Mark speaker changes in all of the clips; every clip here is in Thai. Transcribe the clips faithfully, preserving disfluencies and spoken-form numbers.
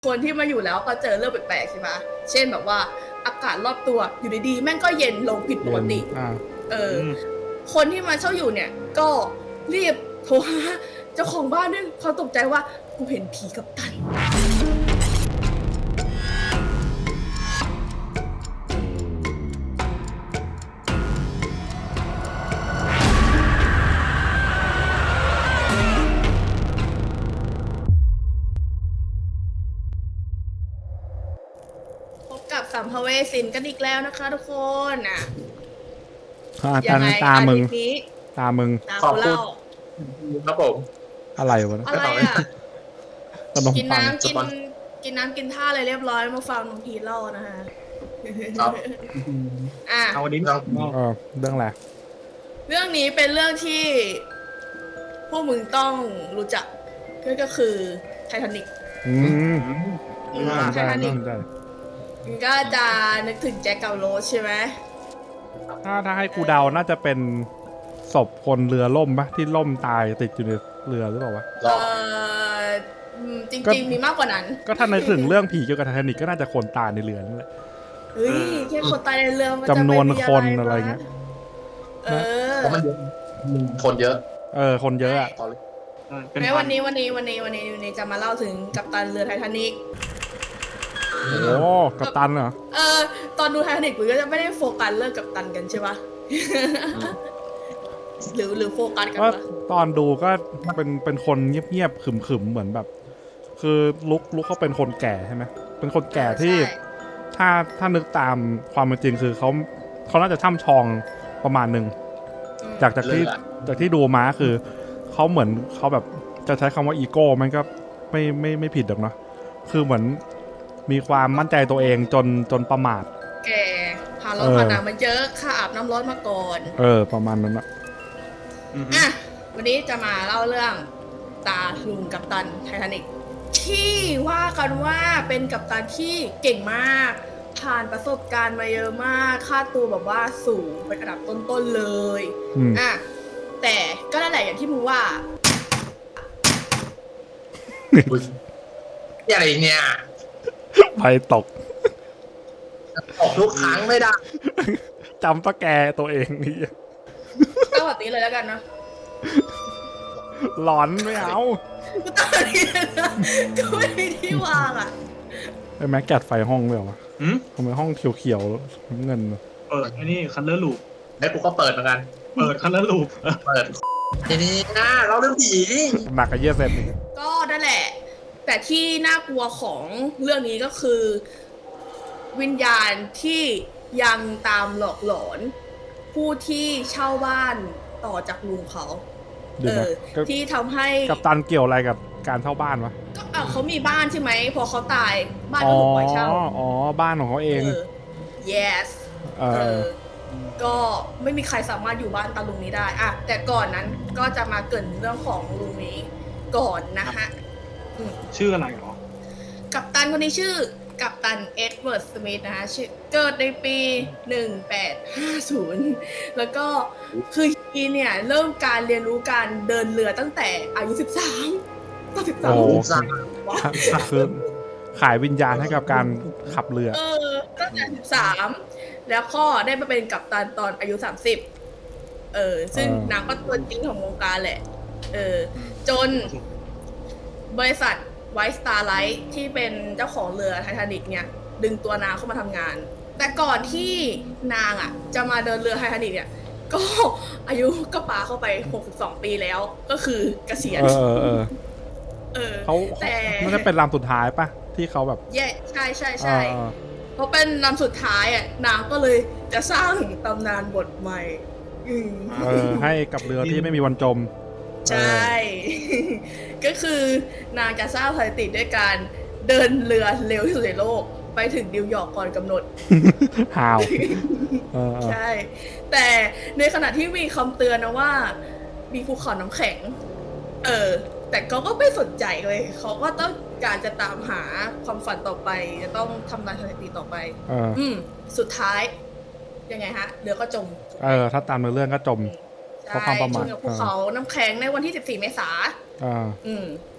Speaker 1: คนที่มาอยู่แล้วก็เจอเรื่องแปลกๆใช่ไหมเช่นแบบว่าอากาศรอบตัวอยู่ดีๆแม่งก็เย็นลงผิดปกติเออคนที่มาเช่าอยู่เนี่ยก็รีบโทรหาเจ้าของบ้านด้วยเขาตกใจว่ากูเห็นผีกัปตันกับสัมภเวสินกันอีกแล้วนะคะทุกคนอ่ะ
Speaker 2: ยังไงตามึงตามึง
Speaker 1: ตากูเล่า
Speaker 3: ครับผม
Speaker 2: อะไรวะ
Speaker 1: อะไรอ่ะกินน้ำกินกินน้ำกินท่าอะไรเรียบร้อยมาฟังน้องพีเล่านะฮะ
Speaker 3: ครับ
Speaker 1: อ่ะ
Speaker 3: เอาวันนี้เรื่อง
Speaker 2: เออเรื่องอะไร
Speaker 1: เรื่องนี้เป็นเรื่องที่พวกมึงต้องรู้จักก็คือไททานิค
Speaker 2: อืม
Speaker 1: ไททานิคก็จะนึกถึงแจ็คกับโรสใช่ไหม
Speaker 2: ถ้าถ้าให้กูเดาน่าจะเป็นศพคนเรือล่มปะที่ล่มตายติดอยู่ในเรือหรือเปล่าวะ
Speaker 1: เออจริงๆมีมากกว่านั้น
Speaker 2: ก็ถ้าในถึงเรื่องผีเกี่ยวกับไททานิคก็น่าจะคนตายในเรือนั่นแหละ
Speaker 1: เฮ้ยแค่คนตายในเรือมัน
Speaker 2: จำนวนคนอะไรเงี้ย
Speaker 1: เออ
Speaker 3: เพราะมันเยอะคนเยอะ
Speaker 2: เออคนเยอะอะ
Speaker 1: แม้วันนี้วันนี้วันนี้วันนี้วันนี้จะมาเล่าถึงกัปตันเรือไททานิค
Speaker 2: โอ้กัปตันเหรอ
Speaker 1: เออตอนดูไททานิคมึงก็จะไม่ได้โฟกัสเรื่องกัปตันกันใช่ปะหรือหรือโฟกัสกันปะ
Speaker 2: ตอนดูก็เป็นเป็นคนเงียบๆขึมๆเหมือนแบบคือลุกลุกเขาเป็นคนแก่ใช่ไหมเป็นคนแก่ที่ถ้าถ้านึกตามความเป็นจริงคือเขาเขาน่าจะช่ำชองประมาณหนึ่งจากจากที่จากที่ดูมาคือเขาเหมือนเขาแบบจะใช้คำว่าอีโก้มันก็ไม่ไม่ไม่ผิดหรอกเนาะคือเหมือนมีความมั่นใจตัวเองจนจนประมาท
Speaker 1: แกพาร้อนพาหนักมันเยอะข้าอาบน้ำร้อนมาก่อน
Speaker 2: เออประมาณนั้นอะ
Speaker 1: อ่ะวันนี้จะมาเล่าเรื่องตาลุงกัปตันไททานิคที่ว่ากันว่าเป็นกัปตันที่เก่งมากผ่านประสบการณ์มาเยอะมากค่าตัวแบบว่าสูงเป็นระดับต้นๆเลยอ่ะแต่ก็นั่นแหละอย่างที่มึงว่า
Speaker 3: อะไรเนี่ย
Speaker 2: ไฟตก
Speaker 3: ตกทุกครั้งไม่ได้
Speaker 2: จำปะแกตัวเองนี่
Speaker 1: ตั้งแบบนี้เลยแล้วกันนะ
Speaker 2: หลอนไม่เอา
Speaker 1: ตั้งแบบนี้นะก็ไม่มีที่วางอ่ะ
Speaker 2: ไอ้แม็กแกดไฟห้องเลยเหรอวะทำไมห้องเขียวๆเงิน
Speaker 4: เปิดไอ้นี่คันเลอร์ลูป
Speaker 3: แล้วกูก็เปิดเหมือนกัน
Speaker 4: เปิดคันเลอร์ลูป
Speaker 3: เปิดทีนี้นะเราเรื่องผี
Speaker 2: หนักกับเยี่ยเซน
Speaker 1: ก็นั่นแหละแต่ที่น่ากลัวของเรื่องนี้ก็คือวิญญาณที่ยังตามหลอกหลอนผู้ที่เช่าบ้านต่อจากลุงเขาเออที่ทำให้
Speaker 2: กัปตันเกี่ยวอะไรกับการเช่าบ้านวะ
Speaker 1: ก็เออเขามีบ้านใช่ไหมพอเขาตายบ้านก็ถูกปล่อยเช่า
Speaker 2: อ๋อบ้านของเขาเอง
Speaker 1: yes เออก็ไม่มีใครสามารถอยู่บ้านตาลุงนี้ได้อะแต่ก่อนนั้นก็จะมาเกริ่นเรื่องของลุงนี้ก่อนนะฮะ
Speaker 4: ชื่ออะไรหรอ
Speaker 1: กัปตันคนนี้ชื่อกัปตันเอ็ดเวิร์ดสมิธนะฮะเกิดในปีหนึ่งแปดห้าศูนย์แล้วก็คือฮีเนี่ยเริ่มการเรียนรู้การเดินเรือตั้งแต่อายุสิบสามตอนสิบสาม
Speaker 2: โอ้คือขายวิญญาณให้กับการขับเรือ
Speaker 1: เออตั้งแต่สิบสามแล้วก็ได้มาเป็นกัปตันตอนอายุสามสิบเออซึ่งนางก็ตัวจริงของวงการแหละเออจนบริษัทไวท์สตาร์ไลท์ที่เป็นเจ้าของเรือไททานิคเนี่ยดึงตัวนางเข้ามาทำงานแต่ก่อนที่นางอ่ะจะมาเดินเรือไททานิคเนี่ยก็อายุก็ปาเข้าไปหกสิบสองปีแล้วก็คือเกษียณ
Speaker 2: เออเออ
Speaker 1: เออ
Speaker 2: เขาแต่มันจะเป็นลำสุดท้ายปะที่เขาแบบ
Speaker 1: แย่ใช่ใช่ใช่เพราะเป็นลำสุดท้ายอ่ะนางก็เลยจะสร้างตำนานบทใหม่
Speaker 2: เออให้กับเรือที่ไม่มีวันจม
Speaker 1: ใช่ก็คือนางจะสร้างสถิติด้วยการเดินเรือเร็วที่สุดในโลกไปถึงนิวยอร์กก่อนกำหนด
Speaker 2: ฮาว
Speaker 1: ใช่แต่ในขณะที่มีคำเตือนนะว่ามีภูเขาน้ำแข็งเออแต่เขาก็ไม่สนใจเลยเขาก็ต้องการจะตามหาความฝันต่อไปจะต้องทำลายสถิติต่อไปอืมสุดท้ายยังไงฮะเรือก็จม
Speaker 2: เออถ้าตามเรื่องก็จม
Speaker 1: เพราะความประมาทภูเขาน้ำแข็งในวันที่สิบสี่เมษายนอืม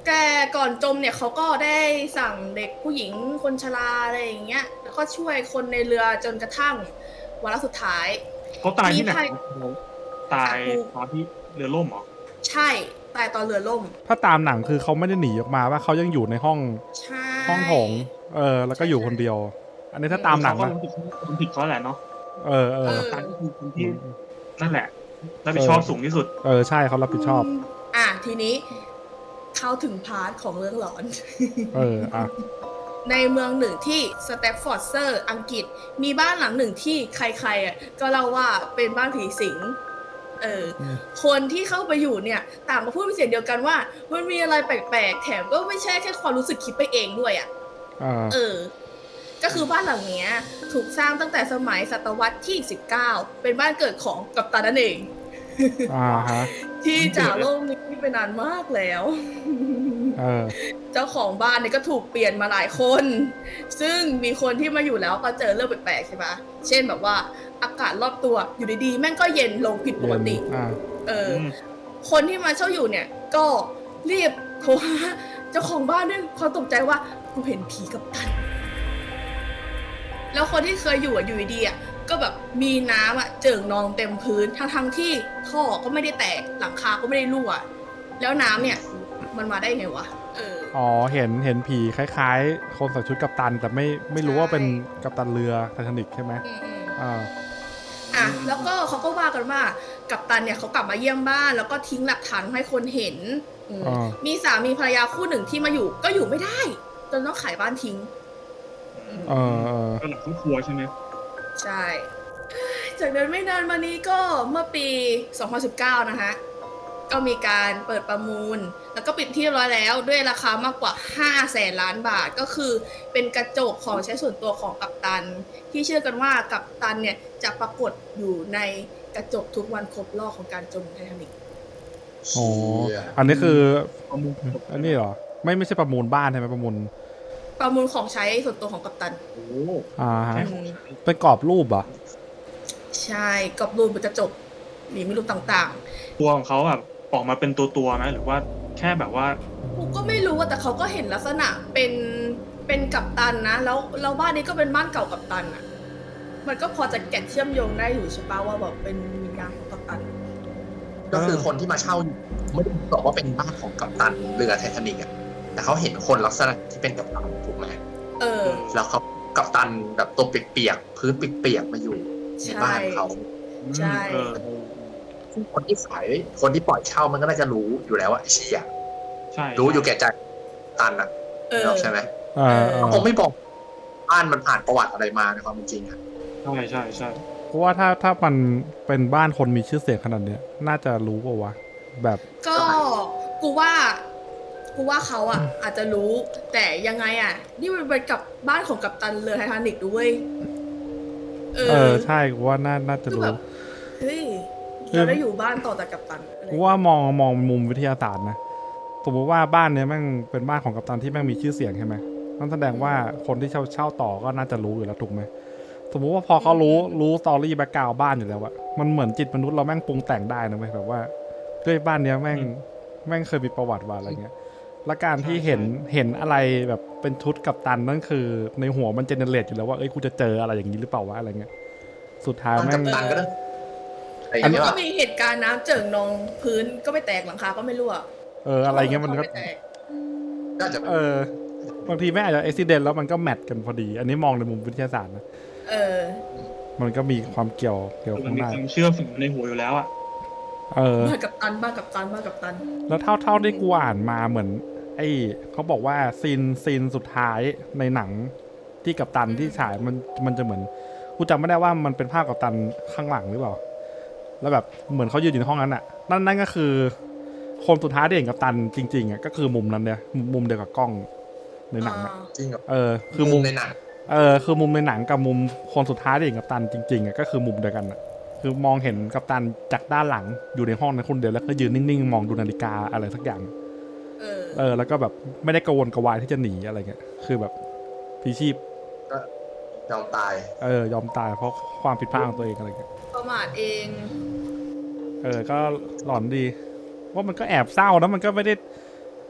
Speaker 1: แกก่อนจมเนี่ยเขาก็ได้สั่งเด็กผู้หญิงคนชราอะไรอย่างเงี้ยแล้วก็ช่วยคนในเรือจนกระทั่งวาระสุดท้าย
Speaker 4: เขาตายที่ไหน
Speaker 1: มีใคร
Speaker 4: ตายตอนที่เรือล่มเหรอ
Speaker 1: ใช่ตายตอนเรือล่ม
Speaker 2: ถ้าตามหนังคือเขาไม่ได้หนีออกมาว่าเขายังอยู่ในห้อง
Speaker 1: ใช่
Speaker 2: ห้องโถงเออ แล้วก็อยู่คนเดียว อันนี้ถ้าตามหนัง
Speaker 4: เขาก็
Speaker 2: นะ
Speaker 4: รู้สึกคนผิดเขาแหละเนาะ
Speaker 2: เออเออ
Speaker 4: ตายก็คือคนที่นั่นแหละรับผิดชอบสูงที่สุด
Speaker 2: เออใช่เขารับผิดชอบ
Speaker 1: มอ่ะทีนี้เข้าถึงพาร์ทของเรื่องหลอน
Speaker 2: เอออ่ะ
Speaker 1: ในเมืองหนึ่งที่สแตฟฟอร์ดเซอร์อังกฤษมีบ้านหลังหนึ่งที่ใครๆอ่ะก็เล่าว่าเป็นบ้านผีสิงเอออ
Speaker 2: ม
Speaker 1: คนที่เข้าไปอยู่เนี่ยต่างก็พูดเป็นเสียงเดียวกันว่ามันมีอะไรแปลกๆแถมก็ไม่ใช่แค่ความรู้สึกคิดไปเองด้วยอ่ะ
Speaker 2: อ่า
Speaker 1: เออ ก็คือบ้านหลังเนี้ยถูกสร้างตั้งแต่สมัยศตวรรษที่สิบเก้าเป็นบ้านเกิดของกัปตันนั่นเอง
Speaker 2: อ่าฮะ
Speaker 1: ที่จากโลกนี้ไปนานมากแล้ว
Speaker 2: เออ
Speaker 1: เจ้าของบ้านเนี่ยก็ถูกเปลี่ยนมาหลายคน ซึ่งมีคนที่มาอยู่แล้วก็เจอเรื่องแปลกๆใช่ปะเช่นแบบว่าอากาศรอบตัวอยู่ดีๆแม่งก็เย็นลงผิดปกติ
Speaker 2: อ่า
Speaker 1: เอออ
Speaker 4: ม
Speaker 1: คนที่มาเช่าอยู่เนี่ยก็รีบโทรหาเจ้าของบ้านด้วยเขามตกใจว่ากูเห็นผีกับตัน แล้วคนที่เคยอยู่อะอยู่ดีๆอะก็แบบมีน้ำอะเจิ่งนองเต็มพื้นทั้งทั้งๆที่ท่อก็ไม่ได้แตกหลังคาก็ไม่ได้รั่ว แล้วน้ำเนี่ย มันมาได้ไงวะเออ
Speaker 2: อ๋อ เห็น เห็นผีคล้ายๆ คนใส่ชุดกัปตัน แต่ไม่ไม่รู้ว่าเป็นกัปตันเรือไททานิกใช่ไหม
Speaker 1: อืมอืม
Speaker 2: อ่า
Speaker 1: อ่ะแล้วก็เขาก็ว่ากันว่ากัปตันเนี่ยเขากลับมาเยี่ยมบ้าน แล้วก็ทิ้งหลักฐานให้คนเห็นอืม
Speaker 2: อ่า
Speaker 1: มีสามีภรรยาคู่หนึ่งที่มาอยู่ก็อยู่ไม่ได้จนต้องขายบ้านทิ้ง
Speaker 2: เออเออ
Speaker 4: ก็หลังครอบครัวใช่ไหม
Speaker 1: ใช่ จากนั้นไม่นานมานี้ก็เมื่อปี สองพันสิบเก้า นะฮะ ก็มีการเปิดประมูล แล้วก็ปิดที่เรียบร้อยแล้วด้วยราคามากกว่า ห้าแสนล้านบาท ก็คือเป็นกระจกของใช้ส่วนตัวของกัปตัน ที่เชื่อกันว่ากัปตันเนี่ยจะปรากฏอยู่ในกระจกทุกวันครบรอบของการจมไททานิก
Speaker 2: โอ้
Speaker 3: เชี่ย
Speaker 2: อันนี้คือ
Speaker 4: ประมูล
Speaker 2: อันนี้เหรอ ไม่ไม่ใช่ประมูลบ้านใช่ไหมประมูล
Speaker 1: ประมูลของใช้ส่วนตัวของกัปตัน
Speaker 4: โอ้
Speaker 2: อ่าฮะ
Speaker 1: อืม
Speaker 2: เป็นกรอบรูปเหรอ
Speaker 1: ใช่กรอบรูปบนกระจกหรือมีรูปต่าง
Speaker 4: ตัวของเขาแบบออกมาเป็นตัวตัวๆไหมหรือว่าแค่แบบว่า
Speaker 1: ๆกูก็ไม่รู้อะแต่เขาก็เห็นลักษณะเป็นเป็นกัปตันนะ แล้วแล้วบ้านนี้ก็เป็นบ้านเก่ากัปตันอะมันก็พอจะแกะเชื่อมโยงได้อยู่ใช่ปะว่าแบบเป็นวิญญาณของกัปตัน
Speaker 3: ก็คือคนที่มาเช่าอยู่ไม่ได้บอกว่าเป็นบ้านของกัปตันเรือไททานิกอะแต่เขาเห็นคนลักษณะที่เป็นกัปตันถูกไหม
Speaker 1: เออ
Speaker 3: แล้วเขากัปตันแบบตัวเปียกๆพื้นเปียกๆมาอยู่ในบ้านเขา
Speaker 1: ใช่
Speaker 4: เออ
Speaker 3: ซึ่งคนที่ขายคนที่ปล่อยเช่ามันก็น่าจะรู้อยู่แล้วว่าไอ้เชี่ย
Speaker 4: ใช่
Speaker 3: รู้อยู่แก่ใจตันอะ
Speaker 1: เออ
Speaker 3: ใช่ไหม
Speaker 2: เออเออ
Speaker 3: คงไม่บอกบ้านมันผ่านประวัติอะไรมาในความเป็นจริงอะ
Speaker 4: ใช่ใช่ใช่
Speaker 2: เพราะว่าถ้าถ้ามันเป็นบ้านคนมีชื่อเสียงขนาดเนี้ย น่าจะรู้ป่าวะ แบบ
Speaker 1: ก็กูว่ากูว่าเขาอะอาจจะรู้ แต่ยังไงอะนี่มันเป็นกับบ้านของกัปตันเรือไททานิกด้วยเอ
Speaker 2: เอ
Speaker 1: อ
Speaker 2: อ ใช่กูว่าน่าน่าจะ
Speaker 1: คือ
Speaker 2: รู้
Speaker 1: แบบเฮ้ยเราได้อยู่บ้านต่อจากกัปตันอะไร
Speaker 2: กูว่ามองมองมุมวิทยาศาสตร์นะ สมมติว่าบ้านเนี้ยแม่งเป็นบ้านของกัปตันที่แม่งมีชื่อเสียงใช่ไหมนั่นแสดงว่าคนที่เช่าเช่าต่อก็น่าจะรู้อยู่แล้วถูกไหม สมมติว่าพอเขารู้รู้สตอรี่แบ็กกราวด์บ้านอยู่แล้วอะมันเหมือนจิตมนุษย์เราแม่งปรุงแต่งได้นะเว้ยแบบว่าด้วยบ้านเนี้ยแม่งแม่งเคยมีประวัติว่าอะไรเงี้ย และการที่เห็นเห็นอะไรแบบเป็นชุดกัปตันนั่นคือในหัวมันเจเนเรตอยู่แล้วว่าเอ้ยกูจะเจออะไรอย่างนี้หรือเปล่าวะอะไรเงี้ย สุดท้าย
Speaker 3: บ้าน
Speaker 2: แม่
Speaker 3: กั
Speaker 2: ง
Speaker 3: ปตันก็ต้องไอ้
Speaker 1: แต่มัน
Speaker 3: เนี่ย
Speaker 1: ก็มีเหตุการณ์น้ำเจิ่งนองพื้นก็ไม่แตกหลังคาก็ไม่รั่ว
Speaker 2: เอออะไรเงี้ยมันก็
Speaker 1: ไแตก
Speaker 3: ก็จะ
Speaker 2: เออบางทีแม่งอาจจะอุบิเหตุแล้วมันก็แมทกันพอดี อันนี้มองในมุมวิทยาศาสตร์นะ
Speaker 1: เออ
Speaker 2: มันก็มีความเกี่ยวเกี่ยว
Speaker 4: มั
Speaker 2: ข้าน ง
Speaker 4: มี
Speaker 2: ใน
Speaker 4: ความเชื่อฝังในหัวอยู่แล้วอ่ะ
Speaker 2: เออ
Speaker 1: บ้านกับตันบ้านกับตันบ้านกับตัน
Speaker 2: แล้วเท่าเท่าที่กูอ่านมาเหมือน ไอ้เขาบอกว่าซีนซีนสุดท้ายในหนังที่กัปตันที่ฉายมันมันจะเหมือนกูจำไม่ได้ว่ามันเป็นภาพกัปตันข้างหลังหรือเปล่า แล้วแบบเหมือนเขายืนอยู่ในห้องนั้นอ่ะ นั่นนั่นก็คือ คนสุดท้ายที่เห็นกัปตันจริงๆอ่ะก็คือมุมนั้นเนี่ยมุมเดียวกับกล้องในหนังอ่ะ
Speaker 3: จริงเหรอ
Speaker 2: เออคือมุม
Speaker 3: ในหนัง
Speaker 2: เออคือมุมในหนังกับมุมคนสุดท้ายที่เห็นกัปตันจริงๆอ่ะก็คือมุมเดียวกันอ่ะ คือมองเห็นกัปตันจากด้านหลังอยู่ในห้องนั้นคนเดียวแล้วก็ยืนนิ่งๆมองดูนาฬิกาอะไรสักอย่าง
Speaker 1: เออ
Speaker 2: เออแล้วก็แบบไม่ได้กระวนกระวายที่จะหนีอะไรเงี้ยคือแบบพลีชีพ
Speaker 3: ก็ยอมตาย
Speaker 2: เออยอมตายเพราะความผิดพลาดของตัวเองอะไรเงี้ย
Speaker 1: ประมาทเอง
Speaker 2: เออก็หลอนดีว่ามันก็แอบเศร้านะมันก็ไม่ได้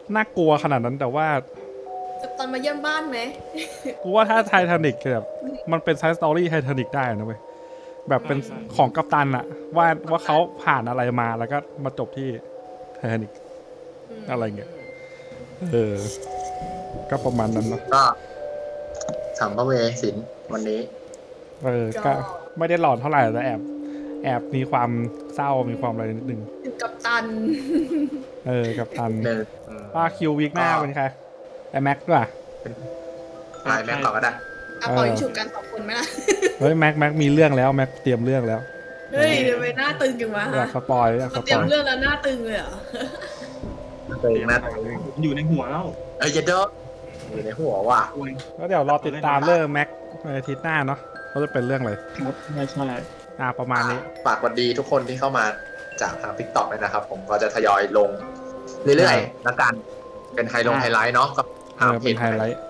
Speaker 2: น่ากลัวขนาดนั้นแต่ว่า
Speaker 1: กัปตันมาเยี่ยมบ้านไหม
Speaker 2: กูว่าถ้าไททานิกแบบมันเป็นไซส์สตอรี่ไททานิกได้นะเว้ยแบบเป็นของกัปตันอะว่าว่าเขาผ่านอะไรมาแล้วก็มาจบที่ไททานิก อะไรเงี้ย เออ ก็ประมาณนั้นเนาะ
Speaker 3: ก็สัมภเวสินวันนี้
Speaker 2: เออ ก็ไม่ได้หลอนเท่าไหร่แต่แอบ แอบมีความเศร้ามีความอะไรนิดนึง
Speaker 1: ถึงกัปตัน
Speaker 2: เออกัปตัน
Speaker 3: หนึ่ง
Speaker 2: ว่าคิววีคหน้าเป็นใครไอแม็กซ์ด้วย
Speaker 3: ลายแม็กต่อก็ได้
Speaker 1: อ่ะปล่อยฉุกกันสองคนไหมล่ะ
Speaker 2: เฮ้ยแม็กแม็กมีเรื่องแล้วแม็กเตรียมเรื่องแล้ว
Speaker 1: เฮ้ยทำไมหน้าตึงจังวะ
Speaker 2: อยา
Speaker 1: ฮะ
Speaker 2: กสปอยอยากส
Speaker 1: มา
Speaker 2: ป
Speaker 1: เตรีย
Speaker 2: อ
Speaker 1: ม
Speaker 2: ย
Speaker 1: เรื่องแล้วหน้าตึงเลยเหรอ
Speaker 3: เองนะ
Speaker 4: ผมอยู่ในหัวแล้ว
Speaker 3: เอ้ยเยเดออยู่ในหัวว่ะ
Speaker 4: โอ้ย
Speaker 2: ก็เดี๋ยวรอติดตามเรื่องแม็กในอาทิตย์หน้าเนาะเขาจะเป็นเรื่องอะไร
Speaker 4: ครับใช่ใช่
Speaker 2: อ่าประมาณนี้
Speaker 3: ฝากสวัสดีทุกคนที่เข้ามาจากทาง ทิกต็อก เลยนะครับ ผมก็จะทยอยลงเรื่อยๆแล้วกันเป็นไฮลงไฮไลท์เนาะกับ
Speaker 2: เออเป็นไฮไลท์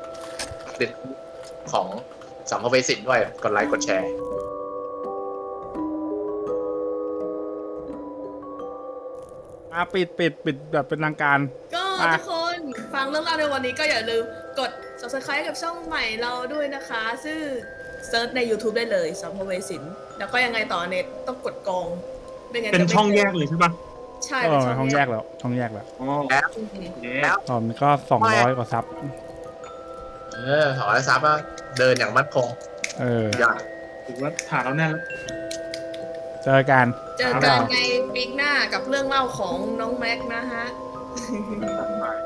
Speaker 3: ของสัมภเวสินด้วยกดไลค์กดแชร์
Speaker 2: อ่ะปิดปิดปิดแบบเป็นทางการ
Speaker 1: ก็
Speaker 2: อ่ะ
Speaker 1: ทุกคนฟังเรื่องราวในวันนี้ก็อย่าลืมกด subscribe กับช่องใหม่เราด้วยนะคะ ซึ่งเซิร์ชใน YouTube ได้เลยสัมภเวสิน แล้วก็ยังไงต่อเน็ตต้องกดกองไม่งั้น
Speaker 4: เป็น
Speaker 1: จะไม่
Speaker 4: ช่องแยกเลยใช่ปะ
Speaker 1: ใช่
Speaker 2: เอ
Speaker 1: เป็น
Speaker 2: อ
Speaker 1: ช่อง
Speaker 2: ห้องแย
Speaker 1: แย
Speaker 2: ก
Speaker 1: ก
Speaker 2: แล้วช่องแยกแล้ว
Speaker 4: อ๋อ
Speaker 3: แล้ว
Speaker 1: อืม
Speaker 4: เย้
Speaker 3: แล้ว
Speaker 2: ตอนนี้ก็สองร้อยกว่าซับ
Speaker 3: เออขอให้ซับว่าเดินอย่างมั่นคง
Speaker 2: เออ
Speaker 3: ยอด
Speaker 4: ถือว่าฐานเราแน่นแล้ว
Speaker 2: เจอกัน
Speaker 1: เจอกันในปีหน้ากับเรื่องเล่าของน้องแม็กนะฮะ
Speaker 4: ไป